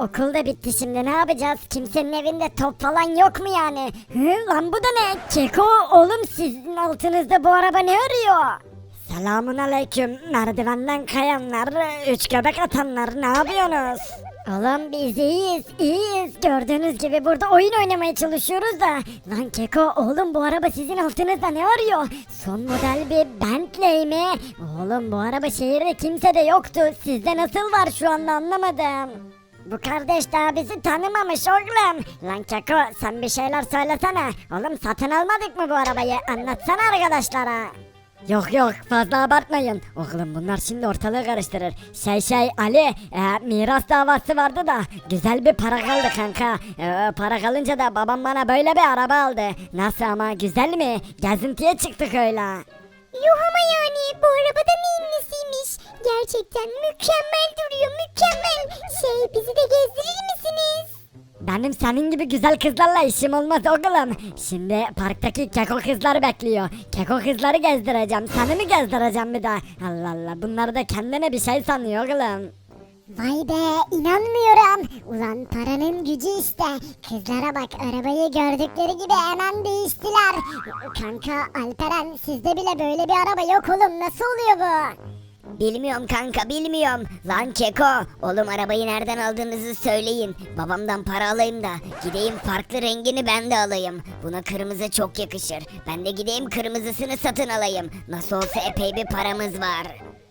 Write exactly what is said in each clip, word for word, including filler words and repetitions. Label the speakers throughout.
Speaker 1: okul da bitti, şimdi ne yapacağız? Kimsenin evinde top falan yok mu yani? Hı, lan bu da ne? Keko oğlum, sizin altınızda bu araba ne arıyor? Selamun aleyküm merdivenden kayanlar, üç göbek atanlar, ne yapıyorsunuz? Oğlum biz iyiyiz, iyiyiz. Gördüğünüz gibi burada oyun oynamaya çalışıyoruz da. Lan Keko oğlum, bu araba sizin altınızda ne arıyor? Son model bir Bentley mi? Oğlum bu araba şehirde kimse de yoktu. Sizde nasıl var şu anda, anlamadım. Bu kardeş daha bizi tanımamış oğlum. Lan Keko sen bir şeyler söylesene. Oğlum satın almadık mı bu arabayı? Anlatsana arkadaşlara. Yok yok, fazla abartmayın. Oğlum bunlar şimdi ortalığı karıştırır. Şey şey Ali, e, miras davası vardı da güzel bir para kaldı kanka. E, para kalınca da babam bana böyle bir araba aldı. Nasıl ama, güzel mi? Gezintiye çıktık öyle.
Speaker 2: Yuh ama yani bu arabada neyin nesiymiş? Gerçekten mükemmel duruyor, mükemmel. Şey, bizi de gezdirir misiniz?
Speaker 1: Benim senin gibi güzel kızlarla işim olmaz oğlum. Şimdi parktaki keko kızlar bekliyor. Keko kızları gezdireceğim. Seni mi gezdireceğim bir daha? Allah Allah, bunlar da kendine bir şey sanıyor oğlum.
Speaker 2: Vay be, inanmıyorum. Ulan paranın gücü işte. Kızlara bak, arabayı gördükleri gibi hemen değiştiler. Kanka Alperen, sizde bile böyle bir araba yok oğlum, nasıl oluyor bu?
Speaker 3: Bilmiyorum kanka, bilmiyorum. Lan Keko, oğlum arabayı nereden aldığınızı söyleyin. Babamdan para alayım da gideyim farklı rengini ben de alayım. Buna kırmızı çok yakışır. Ben de gideyim kırmızısını satın alayım. Nasıl olsa epey bir paramız var.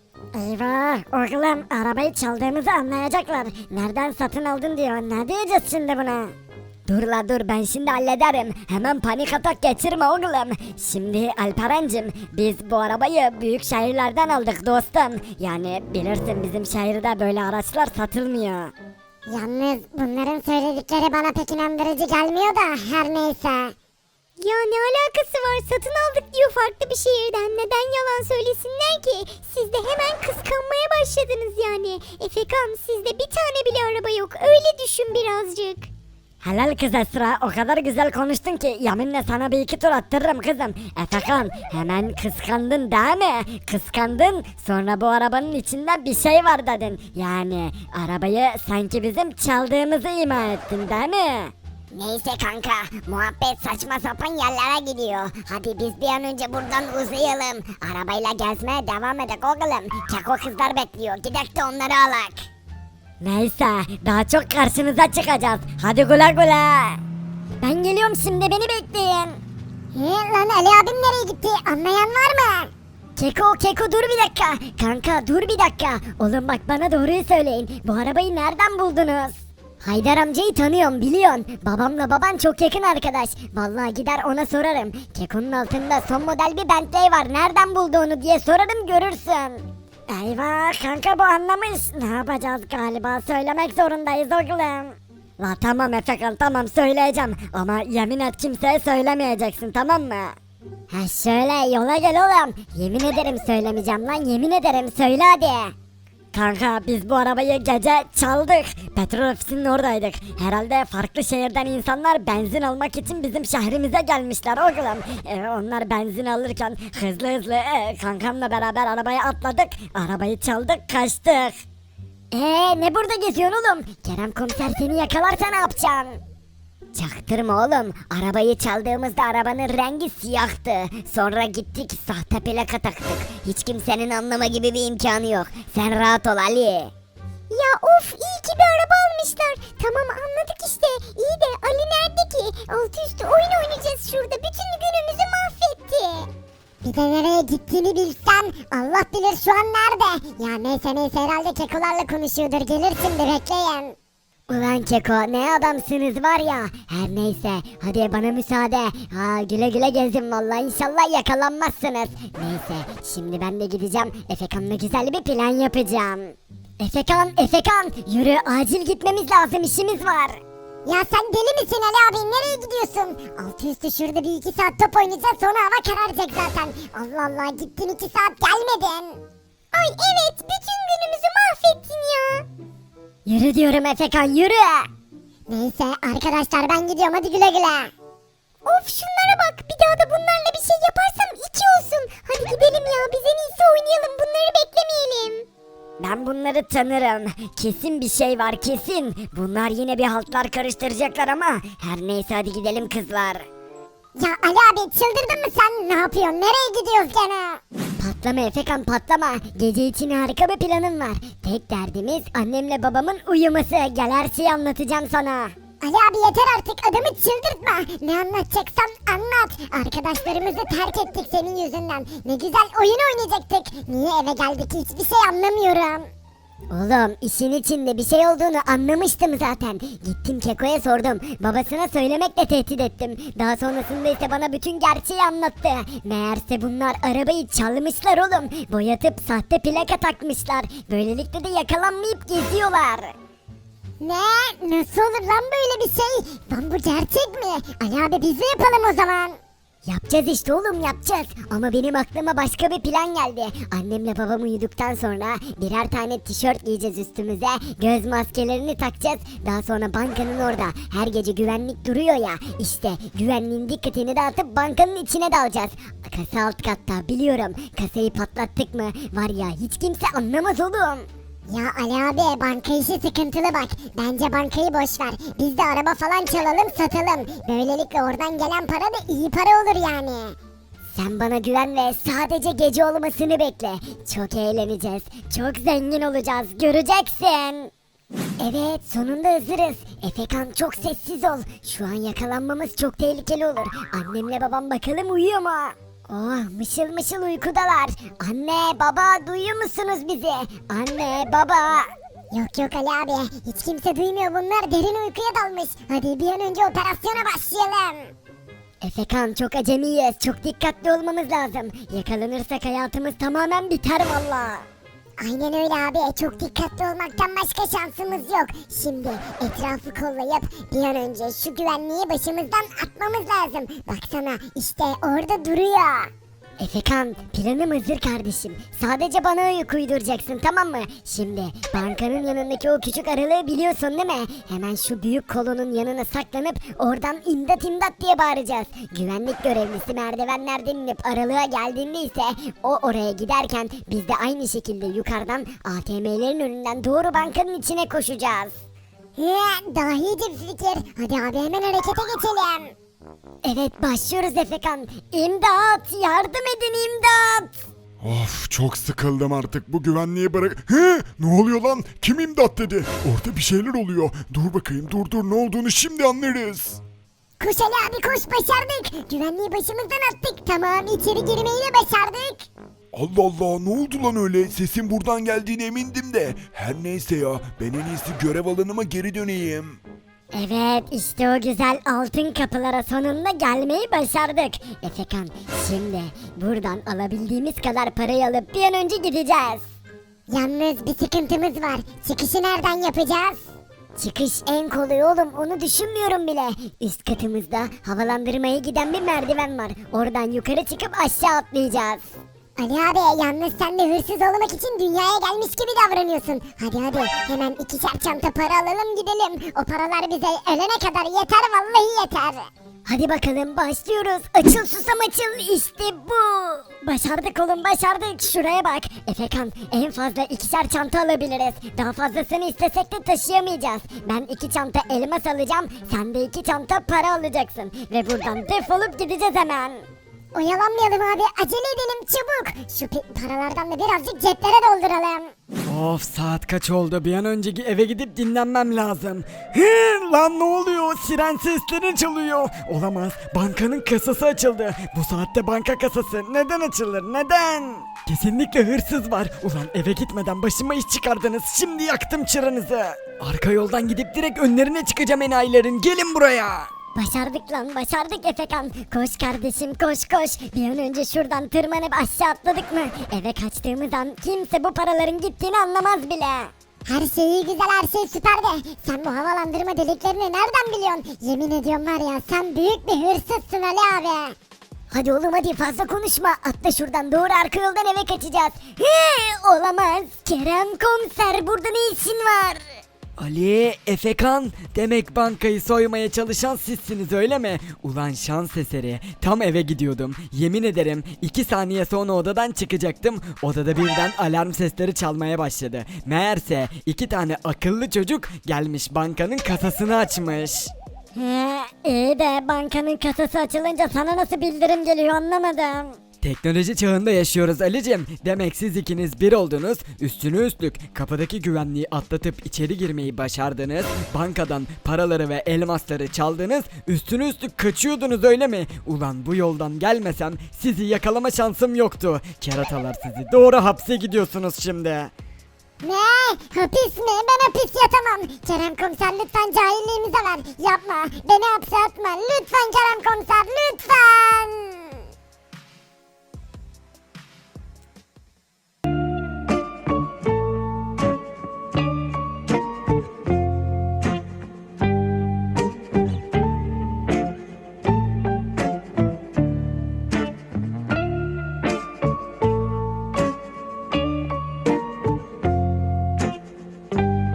Speaker 1: Eyvah oğlum, arabayı çaldığımızı anlayacaklar. Nereden satın aldın diyor. Ne diyeceğiz şimdi buna? Dur la dur, ben şimdi hallederim. Hemen panik atak geçirme oğlum. Şimdi Alperen'cim, biz bu arabayı büyük şehirlerden aldık dostum. Yani bilirsin bizim şehirde böyle araçlar satılmıyor.
Speaker 2: Yalnız bunların söyledikleri bana pek inandırıcı gelmiyor da her neyse. Ya ne alakası var, satın aldık diyor farklı bir şehirden, neden yalan söylesinler ki? Siz de hemen kıskanmaya başladınız yani. Efekan, sizde bir tane bile araba yok, öyle düşün birazcık.
Speaker 1: Helal kız Esra, o kadar güzel konuştun ki yeminle sana bir iki tur attırırım kızım. Efekan, hemen kıskandın değil mi? Kıskandın, sonra bu arabanın içinde bir şey var dedin. Yani arabayı sanki bizim çaldığımızı ima ettin değil mi?
Speaker 3: Neyse kanka, muhabbet saçma sapan yerlere gidiyor. Hadi biz bir an önce buradan uzayalım. Arabayla gezmeye devam edek oğlum. Keko kızlar bekliyor. Gidek de onları alak.
Speaker 1: Neyse, daha çok karşınıza çıkacağız. Hadi güle güle. Ben geliyorum şimdi, beni bekleyin.
Speaker 2: He, lan Ali abim nereye gitti, anlayan var mı?
Speaker 1: Keko Keko dur bir dakika. Kanka dur bir dakika. Oğlum bak, bana doğruyu söyleyin. Bu arabayı nereden buldunuz? Haydar amcayı tanıyorum, biliyorsun. Babamla baban çok yakın arkadaş. Vallahi gider ona sorarım. Keko'nun altında son model bir Bentley var. Nereden buldu onu diye sorarım, görürsün. Eyvah kanka, bu anlamış. Ne yapacağız galiba, söylemek zorundayız oğlum. La tamam Efekan, tamam söyleyeceğim. Ama yemin et kimseye söylemeyeceksin, tamam mı? Ha şöyle yola gel oğlum. Yemin ederim söylemeyeceğim lan, yemin ederim, söyle hadi. Kanka biz bu arabayı gece çaldık. Petrol ofisinin oradaydık. Herhalde farklı şehirden insanlar benzin almak için bizim şehrimize gelmişler oğlum. Ee, onlar benzin alırken hızlı hızlı e, kankamla beraber arabaya atladık. Arabayı çaldık, kaçtık. Eee ne burada geziyorsun oğlum? Kerem komiser seni yakalarsa ne yapacaksın?
Speaker 3: Çaktırma oğlum. Arabayı çaldığımızda arabanın rengi siyahtı. Sonra gittik sahte plaka taktık. Hiç kimsenin anlama gibi bir imkanı yok. Sen rahat ol Ali.
Speaker 2: Ya of, iyi ki bir araba almışlar. Tamam anladık işte. İyi de Ali nerede ki? Altı üstü oyun oynayacağız şurada. Bütün günümüzü mahvetti. Bir de nereye gittiğini bilsem. Allah bilir şu an nerede. Ya neyse neyse, herhalde kekolarla konuşuyordur. Gelir şimdi, bekleyin.
Speaker 1: Ulan Keko ne adamsınız var ya. Her neyse hadi bana müsaade. Ha güle güle gezin vallahi, inşallah yakalanmazsınız. Neyse şimdi ben de gideceğim. Efekan'la güzel bir plan yapacağım. Efekan Efekan yürü, acil gitmemiz lazım, işimiz var.
Speaker 2: Ya sen deli misin Ali abi? Nereye gidiyorsun? Altı üstü şurada bir iki saat top oynayacağız, sonra hava kararacak zaten. Allah Allah, gittin iki saat gelmedin. Ay evet, bütün günümüzü mahvettin ya.
Speaker 1: Yürü diyorum Efekan, yürü.
Speaker 2: Neyse arkadaşlar, ben gidiyorum, hadi güle güle. Of şunlara bak, bir daha da bunlarla bir şey yaparsam iki olsun. Hadi gidelim ya, biz en iyisi oynayalım, bunları beklemeyelim.
Speaker 1: Ben bunları tanırım. Kesin bir şey var kesin. Bunlar yine bir haltlar karıştıracaklar ama her neyse hadi gidelim kızlar.
Speaker 2: Ya Ali abi çıldırdın mı sen? Ne yapıyorsun? Nereye gidiyoruz gene?
Speaker 1: Patlama Efekan patlama. Gece için harika bir planım var. Tek derdimiz annemle babamın uyuması. Gel her şeyi anlatacağım sana.
Speaker 2: Ali abi yeter artık adamı çıldırtma. Ne anlatacaksan anlat. Arkadaşlarımızı terk ettik senin yüzünden. Ne güzel oyun oynayacaktık. Niye eve geldik hiçbir şey anlamıyorum.
Speaker 1: Oğlum işin içinde bir şey olduğunu anlamıştım zaten. Gittim Keko'ya sordum. Babasına söylemekle tehdit ettim. Daha sonrasında ise bana bütün gerçeği anlattı. Meğerse bunlar arabayı çalmışlar oğlum. Boyatıp sahte plaka takmışlar. Böylelikle de yakalanmayıp geziyorlar.
Speaker 2: Ne? Nasıl olur lan böyle bir şey? Lan bu gerçek mi? Ali abi biz de yapalım o zaman.
Speaker 1: Yapacağız işte oğlum yapacağız. Ama benim aklıma başka bir plan geldi. Annemle babam uyuduktan sonra birer tane tişört giyeceğiz üstümüze. Göz maskelerini takacağız. Daha sonra bankanın orada her gece güvenlik duruyor ya. İşte güvenliğin dikkatini dağıtıp bankanın içine dalacağız. Kasa alt katta biliyorum. Kasayı patlattık mı var ya hiç kimse anlamaz oğlum.
Speaker 2: Ya Ali abi banka işi sıkıntılı bak. Bence bankayı boş ver. Biz de araba falan çalalım satalım. Böylelikle oradan gelen para da iyi para olur yani.
Speaker 1: Sen bana güven ve sadece gece olmasını bekle. Çok eğleneceğiz. Çok zengin olacağız. Göreceksin. Evet sonunda hazırız. Efekan çok sessiz ol. Şu an yakalanmamız çok tehlikeli olur. Annemle babam bakalım uyuyor mu? Oh mışıl mışıl uykudalar. Anne baba duyuyor musunuz bizi? Anne baba.
Speaker 2: Yok yok Ali abi. Hiç kimse duymuyor bunlar derin uykuya dalmış. Hadi bir an önce operasyona başlayalım.
Speaker 1: Efekan çok acemiyiz. Çok dikkatli olmamız lazım. Yakalanırsak hayatımız tamamen biter valla.
Speaker 2: Aynen öyle abi. Çok dikkatli olmaktan başka şansımız yok. Şimdi etrafı kollayıp bir an önce şu güvenliği başımızdan atmamız lazım. Baksana işte orada duruyor.
Speaker 1: Efekan planım hazır kardeşim. Sadece bana uyku uyduracaksın tamam mı? Şimdi bankanın yanındaki o küçük aralığı biliyorsun değil mi? Hemen şu büyük kolonun yanına saklanıp oradan imdat imdat diye bağıracağız. Güvenlik görevlisi merdivenlerden inip aralığa geldiğinde ise o oraya giderken biz de aynı şekilde yukarıdan A T M'lerin önünden doğru bankanın içine koşacağız.
Speaker 2: He, dahice bir fikir. Hadi abi hemen harekete geçelim.
Speaker 1: Evet başlıyoruz Efekan. İmdat yardım edin imdat.
Speaker 4: Of çok sıkıldım artık bu güvenliği bırak. He ne oluyor lan? Kim imdat dedi? Orada bir şeyler oluyor. Dur bakayım dur dur ne olduğunu şimdi anlarız.
Speaker 2: Koş Ali abi koş başardık. Güvenliği başımızdan attık. Tamam içeri girmeyi de başardık.
Speaker 4: Allah Allah ne oldu lan öyle? Sesin buradan geldiğine emindim de. Her neyse ya ben en iyisi görev alanıma geri döneyim.
Speaker 1: Evet işte o güzel altın kapılara sonunda gelmeyi başardık. Efekan şimdi buradan alabildiğimiz kadar parayı alıp bir an önce gideceğiz.
Speaker 2: Yalnız bir sıkıntımız var. Çıkışı nereden yapacağız?
Speaker 1: Çıkış en kolay oğlum onu düşünmüyorum bile. Üst katımızda havalandırmaya giden bir merdiven var. Oradan yukarı çıkıp aşağı atlayacağız.
Speaker 2: Ali abi yalnız sen de hırsız olmak için dünyaya gelmiş gibi davranıyorsun. Hadi hadi hemen ikişer çanta para alalım gidelim. O paralar bize ölene kadar yeter vallahi yeter.
Speaker 1: Hadi bakalım başlıyoruz. Açıl susam açıl işte bu. Başardık oğlum başardık. Şuraya bak. Efekan en fazla ikişer çanta alabiliriz. Daha fazlasını istesek de taşıyamayacağız. Ben iki çanta elmas alacağım. Sen de iki çanta para alacaksın. Ve buradan defolup gideceğiz hemen.
Speaker 2: Oyalanmayalım abi acele edelim çabuk. Şu pi- paralardan da birazcık ceplere dolduralım.
Speaker 5: Of saat kaç oldu bir an önceki eve gidip dinlenmem lazım. Hı, lan ne oluyor siren sesleri çalıyor. Olamaz bankanın kasası açıldı. Bu saatte banka kasası neden açılır neden? Kesinlikle hırsız var. Ulan eve gitmeden başıma iş çıkardınız şimdi yaktım çıranızı. Arka yoldan gidip direkt önlerine çıkacağım enayilerin gelin buraya.
Speaker 1: Başardık lan başardık Efekan. Koş kardeşim koş koş. Bir an önce şuradan tırmanıp aşağı atladık mı? Eve kaçtığımız an kimse bu paraların gittiğini anlamaz bile.
Speaker 2: Her şey iyi güzel her şey süper de sen bu havalandırma deliklerini nereden biliyorsun? Yemin ediyorum var ya sen büyük bir hırsızsın Ali abi.
Speaker 1: Hadi oğlum hadi fazla konuşma. Atla şuradan doğru arka yoldan eve kaçacağız. He, olamaz. Kerem komiser burada ne işin var?
Speaker 5: Ali, Efekan, demek bankayı soymaya çalışan sizsiniz öyle mi? Ulan şans eseri, tam eve gidiyordum. Yemin ederim iki saniye sonra odadan çıkacaktım. Odada birden alarm sesleri çalmaya başladı. Meğerse iki tane akıllı çocuk gelmiş bankanın kasasını açmış.
Speaker 1: He, iyi de bankanın kasası açılınca sana nasıl bildirim geliyor anlamadım.
Speaker 5: Teknoloji çağında yaşıyoruz Ali'cim. Demek siz ikiniz bir oldunuz. Üstüne üstlük kapıdaki güvenliği atlatıp içeri girmeyi başardınız. Bankadan paraları ve elmasları çaldınız. Üstüne üstlük kaçıyordunuz öyle mi? Ulan bu yoldan gelmesem sizi yakalama şansım yoktu. Keratalar sizi. Doğru hapse gidiyorsunuz şimdi.
Speaker 2: Ne? Hapis mi? Ben hapis yatamam. Kerem komiser lütfen cahilliğimize ver. Yapma. Beni hapse atma. Lütfen Kerem komiser